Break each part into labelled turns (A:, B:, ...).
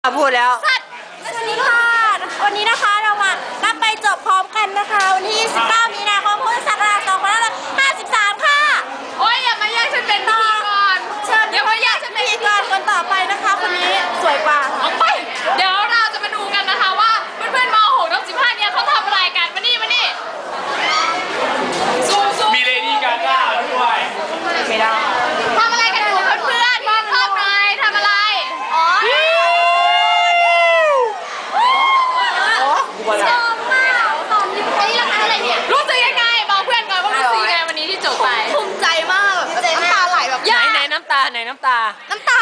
A: พูดแล้ว
B: สวัสดีค่ะวันนี้นะคะเรามานับไปจบพร้อมกันนะคะวันที่19 มีนาคม พุทธศักราช 2553 ค่ะ
C: โอ้ยอย่ามาแย่งฉันเป็นพิธีกร
B: เชิญอย่ามาแย่งฉันเป็นพิธีกรคนต่อไปนะคะคนนี้สวยกว่า
C: ออกไปเดี๋ยวเราจะมาดูกันนะคะว่าเพื่อนๆม.6 ทั้ง 15 เนี่ยเขาทำอะไรกันมานี่ซู
D: มีเลดี้กาก้าด้วย
B: ไม่ได้
C: ทำอะไรกันอยู่เพื่อนๆมองรอบหน่อยทำอะไร
B: อ๋อ
C: ชอบมากตอนนี้อันนี้ราคาเท่าไหร่เนี่ยรู้สึกยังไงบอกเพื่อนก่อนว่ารู้สึกยังไงวันนี้ที่จบไป
B: ภูมิใจมากแบบน้ำตาไหลแบบ
A: ไหนน้ำตาไหนน้ำตา
B: น้ำตา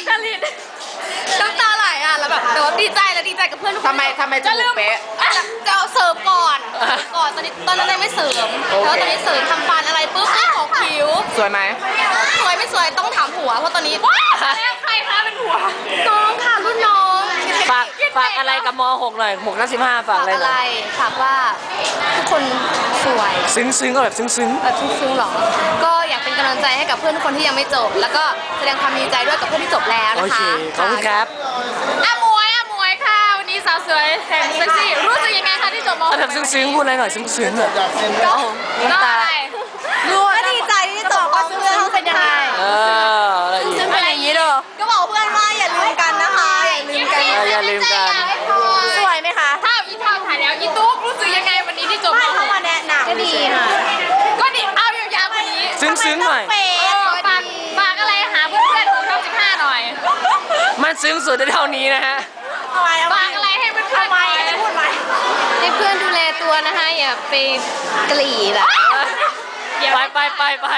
B: ไหลอ่ะแล้วแบบแต่ว่าดีใจกับเพื่อนทุกคน
A: ทำไมจะลืมเป๊ะ
B: จะเอาเสริมก่อนตอนนั้นยังไม่เสริมแล้วตอนนี้เสริมทำฟันอะไรปุ๊บขอคิ้ว
A: สวยไหม
B: สวยไม่สวยต้องถามผัวเพราะตอนนี้
C: แล้วใครคะเป็นผัว
B: น้องค่ะรุ่นน้อง
A: ฝากอะไรกับม.6 หน่อย6 นัก 15ฝากอะไร
B: ฝากว่าทุกคนสวย
A: ซึ้งก็แบบซึ้ง
B: หรอก็อยากเป็นกำลังใจให้กับเพื่อนทุกคนที่ยังไม่จบแล้วก็แสดงความดีใจด้วยกับเพื่อนที่จบแล้วนะคะ
A: ขอบคุณครับ
C: มวยค่ะวันนี้สาวสวยแห่งเซ็กซี่รู้สึกยังไงคะที่จบม.6
A: แบบซึ้งพูดอะไรหน่อยซึ้งแบบ
C: น้ำตา
B: ก็ดีใจที่จบก็เพื่อนเขาเป็นยังไง
A: ซึ้งอะไรอย่างนี้ด้วย
B: ก็บอกเพื่อนว่าอย่าลืมกันนะคะ
A: อย่าลืมกัน
B: สวยไหมคะ
C: ถ้าอีทำถ่ายแล้วอีตุ๊กรู้สึกยังไงวันนี้ที่จบม
B: .6มาแนะนำก็ดีค่ะ
C: ก็ดีเอายาวๆวันนี้
A: ซึ้งหน่อย
C: ฝากอะไรหาเพื่อนๆของช่อง15หน่อย
A: มันซึ้งสุดเท่านี้นะฮะ
C: ฝากอะไรให้เพื่อนๆหน่อย
B: ให้เพื่อนดูแลตัวนะคะอย่าไปกลีแบบ
A: ไป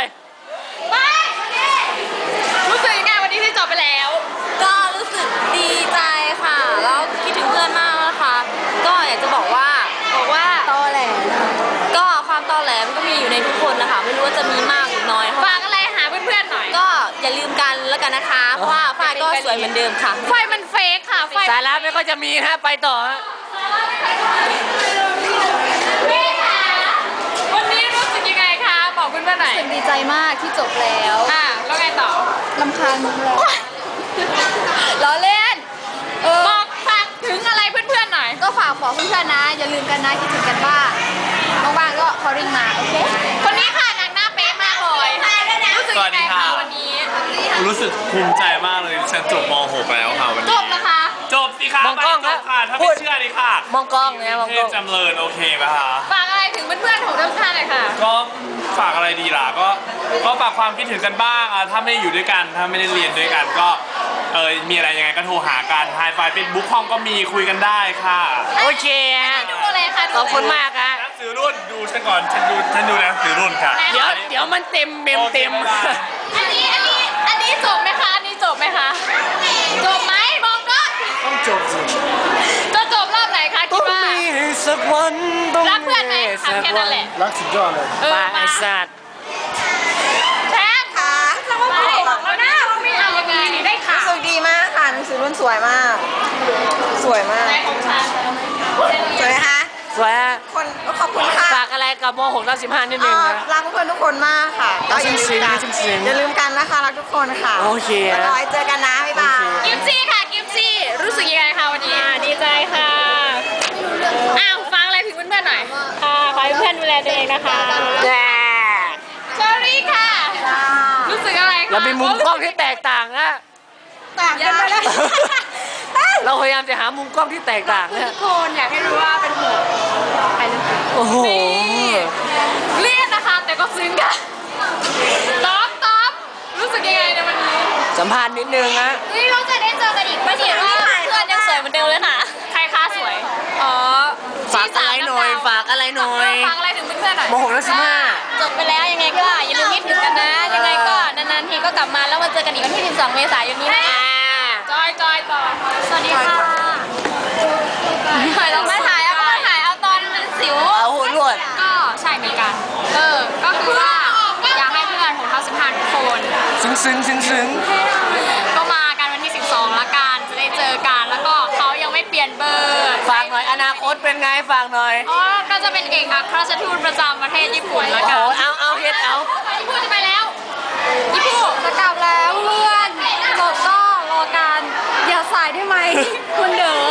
C: รู้สึกยังไงวันนี้ที่จบไปแล้ว
B: ก็รู้สึกดีใจค่ะแล้วคิดถึงเพื่อนมากนะคะก็อยากจะบอกว่าตอแหลก็ความตอแหลมันก็มีอยู่ในทุกคนนะคะไม่รู้ว่าจะมีมากหรือน้อย
C: ฝากอะไรหาเพื่อนๆหน่อย
B: ก็อย่าลืมกันแล้วกันนะคะเพราะว่าฝ้ายก็สวยเหมือนเดิมค่ะ
C: ไฟมันเฟกค่ะ
A: สาระไม่ก็จะมีฮะไปต่อฮะ
C: วันนี้รู้สึกยังไงคะบอกเพื่อนๆหน่อย
B: ดีใจมากที่จบแล้ว
C: แล้วไงต่อ
B: รำคาญมึงแล้วล้อเล่น
C: บอกฝากถึงอะไรเพื่อนๆหน่อย
B: ก็ฝากบอกเพื่อนๆนะอย่าลืมกันนะคิดถึงกันบ้างว่างๆก็คอริ่งมาโอเค
C: คนนี้ค่ะนางหน้าเป๊ะมากเลยรู้สึกยังไงคะวันนี้
D: รู้สึกภูมิใจมากเลยฉันจบม.6 แล้วค่ะวันนี้
C: จบแล้วคะ
D: จบสิคะ
A: มองกล้อง
D: ค่ะถ้าไม่เชื่อดิค่ะ
A: มองกล้องเนี่ยมองกล้อง
D: จำเริญโอเคไหมคะ
C: ฝากอะไรถึงเพื่อนๆของทั้งท่านเลยค่ะ
D: ก็ฝากอะไรดีล่ะก็ฝากความคิดถึงกันบ้างถ้าไม่ได้อยู่ด้วยกันถ้าไม่ได้เรียนด้วยกันก็มีอะไรยังไงก็โทรหากันไฮไฟเฟซบุ๊กห้องก็มีคุยกันได้ค่ะ
A: โอเค
C: ดูเลยค่ะ
A: ขอบคุณมากค่ะ
D: หนังสือรุ่นดูฉันก่อนฉันดูหนังสือรุ่นค่ะ
A: เดี๋ยวมันเต็ม
C: อันนี้จบไหมคะอันนี้จบไหมคะจบไหมบอกก็
A: ต้องจบสิ
C: จะจบรอบไหนคะคิดว่า
A: สักวัน
C: รักเพื่อนไหมทำแค่นั้นแหละ
A: รักสุดยอดเลยไอ้สัตว์
C: แท้ค่ะเราไม่บอกแล้วนะว่าไม่เอายังไงได้ค่ะ
B: รู้สึกดีมากค่ะหนังสือรุ่นสวยมากสวยไหมคะ
A: สวย
B: คนขอบคุณค่ะ
A: ฝากอะไรกับม.6 นัก 15นิดนึงนะ
B: รักเพื่อนทุกคนมากค่ะอย่าลืมกันนะคะรักทุกคนค่ะ
A: โอเค
B: รอเจอกันนะบ๊ายบาย
C: กิฟซี่ค่ะกิฟซี่รู้สึกยังไงคะวันนี้ดีใจค่ะฟังอะไรถึงเพื่อนๆหน่อย
B: ค่ะขอให้เพื่อนดูแลตัวเองนะคะ
C: เชอรี่ค่ะรู้สึกอะไรคะ
A: เรามีมุมกล้องที่แตกต่างนะ
B: ต่างกันไปเลย
A: เราพยายามจะหามุมกล้องที่แตกต่างนะ
B: ทุกคนอยากให้รู้ว่าเป็นห่วงไปเลย
A: โอ้โห
C: เรียนนะคะแต่ก็ซึ้งกันต๊อบรู้สึกยังไงในวันนี้
A: สัมภาษณ์นิดนึงนะ
C: เราจะได้เจอกันอีกไม่ใช่ว่าเพื่อนยังสวยเหมือนเดิมเลยค่ะใครคะสวย
A: ฝากอะไรหน่อยฝากอะไรหน่อย
C: ฝากอะไรถึงเพื่อนๆหน่อย
A: ม.6 นัก 15
B: จบไปแล้วยังไงก็อย่าลืมคิดถึงกันนะยังไงก็นานๆทีก็กลับมาแล้วมาเจอกันอีกวันที่12 เมษายนนี้นะ
C: จอยต่อ
B: สวัสดีค่ะเราไม่ถ่ายเอาตอนมันสิว
A: เอาหัวรวด
C: ก็ใช่เหมือนกันก็คือว่าอยากให้เพื่อนของทั้ง15ทุกคน
A: ซึ้ง
C: ก็มากันวันที่12ละกันจะได้เจอกันแล้วก็เขายังไม่เปลี่ยนเบอร์
A: ฝากหน่อยอนาคตเป็นไงฝากหน่อย
C: ก็จะเป็นเอกอัครราชทูตประจำประเทศญี่ปุ่นละกัน
A: เอาเฮ็ด
C: ญี่ปุ่นจะไปแล้วญี่ปุ่น
B: จะกลับแล้วเพื่อนจบก็รอกันอย่าสายได้ไหม คุณเด๋อ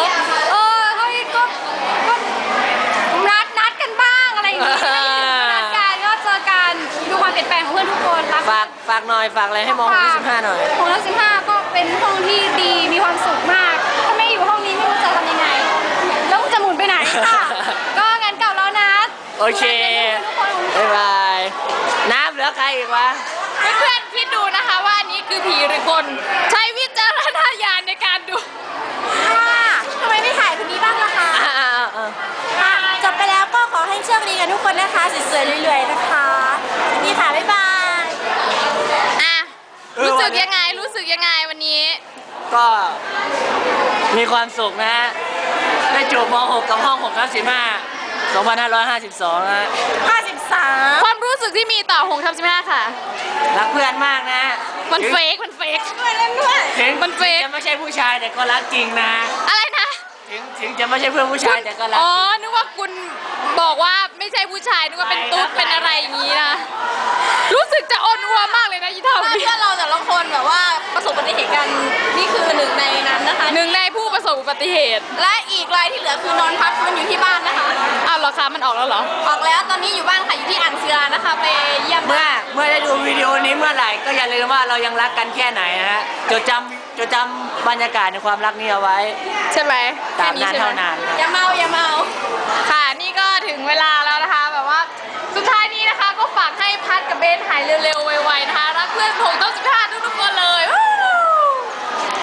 B: ก็นัดกันบ้างอะไรอย่างเงี้ยนัดกันก็เจอกันดูความเปลี่ยนแปลงของเพื่อนทุกคนรัก
A: ฝากหน่อยฝากอะไรให้ม6 25หน่อย
B: ของเรา15ก็เป็นห้องที่ดีมีความสุขมากถ้าไม่อยู่ห้องนี้ไม่รู้จะทำยังไงแล้วจะหมุนไปไหนค่ะ ก็งานเก่าแล้วนะ
A: โอเคบ๊ายบายน้ำเหลือใครอีกวะ
C: เพื่อนๆคิดดูนะคะว่าอันนี้คือผีหรือคนใช้วิจารณญาณในการดู
B: ทำไมไม่ถ่ายคนนี้บ้างล่ะคะจบไปแล้วก็ขอให้โชคดีกันทุกคนนะคะสวยๆรวยๆนะคะนี่ค่ะบ๊ายบาย
C: อ่ะรู้สึกยังไงวันนี้
A: ก็มีความสุขนะฮะได้จบม6กับห้อง6 ทับ 15 2552นะ
B: 53
C: ความรู้สึกที่มีต่อหงทำ15ค่ะ
A: รักเพื่อนมากนะ
C: มันเฟก
B: ด้วยเล่นด้วย
A: ถึง
C: มันเฟก
A: จะไม่ใช่ผู้ชายแต่ก็รักจริงนะ
C: อะไรนะ
A: ถึงจะไม่ใช่เพื่อนผู้ชายแต่ก็รัก
C: อ๋อ
A: จริง
C: นึกว่าคุณบอกว่าไม่ใช่ผู้ชายนึกว่าเป็นตุ๊ดเป็นอะไรอย่างนี้นะรู้สึกจะอ่อนอัวมากเลยนะยี่เท่า
B: เพื่
C: นี้
B: อนเราแต่ละคนแบบว่าประสบอุบัติเหตุกันนี่คือหนึ่งในนั้นนะคะ
C: หนึ่งในผู้ประสบอุบัติเหตุ
B: และอีกรายที่เหลือคือนอนพักฟื้นอยู่ที่บ้านนะคะ
C: อ้าวเหรอคะมันออกแล้วเหรอ
B: ออกแล้วตอนนี้อยู่บ้านค่ะอยู่ที่อ่างศิลานะคะไปเยี่ยม
A: เมื่อได้ดูวิดีโอนี้เมื่อไหร่ก็อย่าลืมว่าเรายังรักกันแค่ไหนนะฮะจดจำบรรยากาศในความรักนี้เอาไว้
C: ใช่ไหม
A: ตามนั้นเท่านั้น
B: อย่าเมา
C: ค่ะนี่ก็ถึงเวลาแล้วนะคะแบบว่าสุดท้ายนี้นะคะก็ฝากให้พัดกับเบนหายเร็วๆไว